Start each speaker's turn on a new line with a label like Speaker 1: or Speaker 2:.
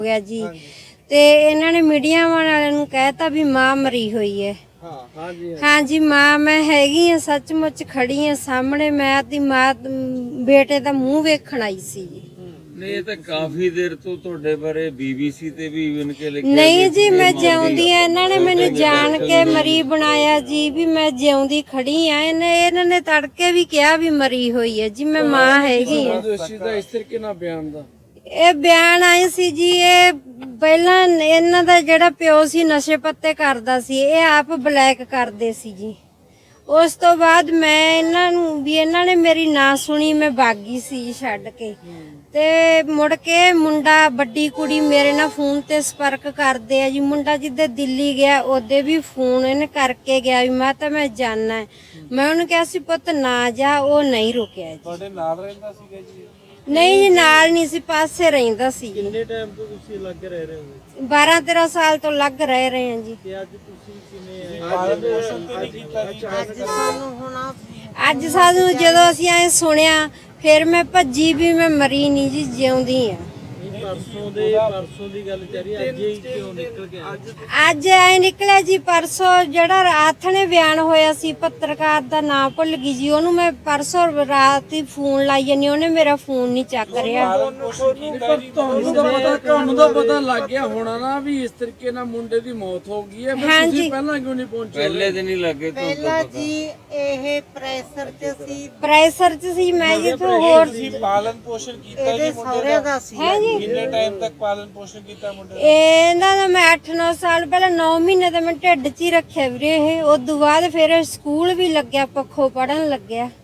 Speaker 1: गया जी। ते इन्होंने मीडिया वाले कहता भी मां मरी हुई है। हाँ जी मां मैं हैगी हाँ, सचमुच खड़ी हाँ सामने। मैं अपनी मां बेटे का मूँह वेखण आई सी।
Speaker 2: नहीं ये तो काफी देर तो ਤੁਹਾਡੇ ਬਾਰੇ BBC ਤੇ ਵੀ ਇਵਨ ਕੇ ਲਿਖਿਆ
Speaker 1: नहीं जी मैं जिउंदी आ। इन्होंने मैनू जान के मरी बनाया जी भी मैं जिउंदी खड़ी हाँ। इन्होंने तड़के भी कहा भी मरी हुई है जी। मैं मां हैगी हाँ।
Speaker 3: इस तरीके ना बयान दा
Speaker 1: ਇਹ ਬਿਆਨ ਆਏ ਸੀ ਜੀ। ਇਹ ਪਹਿਲਾਂ ਇਹਨਾਂ ਦਾ ਜਿਹੜਾ ਪਿਓ ਸੀ ਨਸ਼ੇ ਪੱਤੇ ਕਰਦਾ ਸੀ, ਇਹ ਆਪ ਬਲੈਕ ਕਰਦੇ ਸੀ ਜੀ। ਉਸ ਤੋਂ ਬਾਅਦ ਮੈਂ ਇਹਨਾਂ ਨੂੰ ਵੀ ਇਹਨਾਂ ਨੇ ਮੇਰੀ ਨਾ ਸੁਣੀ, ਮੈਂ ਭਾਗੀ ਸੀ ਛੱਡ ਕੇ। ਤੇ ਮੁੜ ਕੇ ਮੁੰਡਾ ਵੱਡੀ ਕੁੜੀ ਮੇਰੇ ਨਾਲ ਫੋਨ ਤੇ ਸੰਪਰਕ ਕਰਦੇ ਆ ਜੀ। ਮੁੰਡਾ ਜਿੱਦੇ ਦਿੱਲੀ ਗਿਆ ਉਹਦੇ ਵੀ ਫੋਨ ਇਹਨੇ ਕਰਕੇ ਗਿਆ ਵੀ ਮੈਂ ਤਾਂ ਮੈਂ ਜਾਣਾ ਹੈ। ਮੈਂ ਉਹਨੂੰ ਕਿਹਾ ਸੀ ਪੁੱਤ ਨਾ ਜਾ, ਉਹ ਨਹੀਂ ਰੁਕਿਆ ਜੀ।
Speaker 3: ਤੁਹਾਡੇ ਨਾਲ ਰਹਿੰਦਾ ਸੀਗਾ ਜੀ?
Speaker 1: ਨਹੀਂ ਜੀ ਨਾਲ ਨਹੀਂ ਸੀ, ਪਾਸੇ ਰਹਿੰਦਾ ਸੀ ਜੀ।
Speaker 3: ਕਿੰਨੇ ਟਾਈਮ ਤੋਂ ਤੁਸੀਂ ਲੱਗ ਰਹੇ ਹੋ?
Speaker 1: 12-13 ਸਾਲ ਤੋਂ ਲੱਗ ਰਹੇ ਹਾਂ ਜੀ।
Speaker 3: ਤੇ ਅੱਜ ਤੁਸੀਂ ਕਿਵੇਂ ਪਾਲਣ ਪੋਸ਼ਣ ਤੇ ਨਹੀਂ ਕੀਤਾ?
Speaker 1: ਅੱਜ ਸਾਨੂੰ ਜਦੋਂ ਅਸੀਂ ਐ ਸੁਣਿਆ ਫਿਰ ਮੈਂ ਭੱਜੀ ਵੀ ਮੈਂ ਮਰੀ ਨਹੀਂ ਜੀ, ਜਿਉਂਦੀ ਆ।
Speaker 3: ਪਰਸੋਂ ਦੀ ਗੱਲ ਕਰੀ, ਅੱਜ ਹੀ ਕਿਉਂ ਨਿਕਲ ਗਿਆ?
Speaker 1: ਅੱਜ ਐ ਨਿਕਲਿਆ ਜੀ ਪਰਸੋਂ ਜਿਹੜਾ ਰਾਤ ਨੇ ਬਿਆਨ ਹੋਇਆ ਸੀ, ਪੱਤਰਕਾਰ ਦਾ ਨਾਮ ਭੁੱਲ ਗਈ ਜੀ। ਉਹਨੂੰ ਮੈਂ ਪਰਸੋਂ ਰਾਤ ਹੀ ਫੋਨ ਲਾਈ ਜਾਨੀ, ਉਹਨੇ ਮੇਰਾ ਫੋਨ ਨਹੀਂ ਚੱਕ ਰਿਹਾ।
Speaker 3: ਤੁਹਾਨੂੰ ਤਾਂ ਪਤਾ ਲੱਗ ਗਿਆ ਹੋਣਾ ਨਾ ਵੀ ਇਸ ਤਰੀਕੇ ਨਾਲ ਮੁੰਡੇ ਦੀ ਮੌਤ ਹੋ ਗਈ ਹੈ। ਤੁਸੀਂ ਪਹਿਲਾਂ ਕਿਉਂ ਨਹੀਂ ਪਹੁੰਚੇ?
Speaker 2: ਪਹਿਲੇ ਦਿਨ ਹੀ ਲੱਗੇ ਤੋਂ
Speaker 4: ਪਹਿਲਾਂ ਜੀ ਇਹ ਪ੍ਰੈਸ਼ਰ ਚ ਸੀ
Speaker 1: ਮੈਂ ਜੀ ਤੋਂ ਹੋਰ
Speaker 3: ਪਾਲਣ ਪੋਸ਼ਣ ਕੀਤਾ
Speaker 4: ਇਹਦੇ ਸਹੁਰੇ ਦਾ ਸੀ।
Speaker 1: ਹੈ ਜੀ
Speaker 3: ਕਿੰਨੇ ਟਾਈਮ ਤੱਕ ਪਾਲਣ ਪੋਸ਼ਣ ਕੀਤਾ ਮੁੰਡੇ ਦਾ?
Speaker 1: ਇਹਨਾਂ ਦਾ ਮੈਂ 8-9 ਸਾਲ ਪਹਿਲਾਂ 9 ਮਹੀਨੇ ਤਾਂ ਮੈਂ ਢਿੱਡ 'ਚ ਹੀ ਰੱਖਿਆ ਵੀਰੇ। ਇਹ ਉਸ ਤੋਂ ਬਾਅਦ ਫਿਰ ਸਕੂਲ ਵੀ ਲੱਗਿਆ, ਪੱਖੋਂ ਪੜਨ ਲੱਗਿਆ।